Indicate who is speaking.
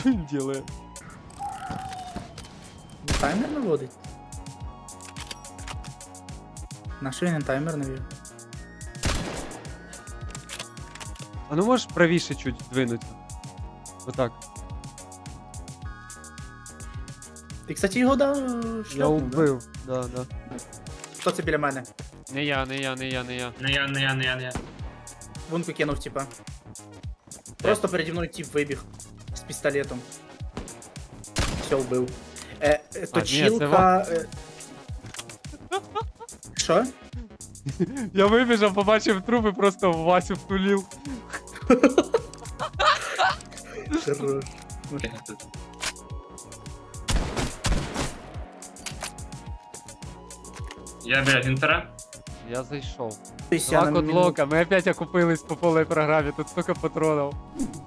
Speaker 1: Что він делает?
Speaker 2: Таймер наводить? На що він таймер навів?
Speaker 1: А ну можеш правіше чуть двинути? Отак.
Speaker 2: Ти, кстати, його дав
Speaker 1: Я
Speaker 2: шльопнув, да?
Speaker 1: убив. Да, да.
Speaker 2: Хто це біля мене?
Speaker 1: Не я.
Speaker 3: Не я.
Speaker 2: Не я. Вунку кинув, типа. Просто переді мною тип вибіг. З пістолетом. Все, вбив.
Speaker 1: це
Speaker 2: Точилка... Що?
Speaker 1: Я вибіжав, побачив труп і просто в Васю втулив.
Speaker 2: Хорош.
Speaker 3: Я біля Вінтера.
Speaker 1: Я зайшов.
Speaker 2: Тобто я
Speaker 1: Два
Speaker 2: на
Speaker 1: кодлока, ми опять окупились по полій програмі, тут столько патронів.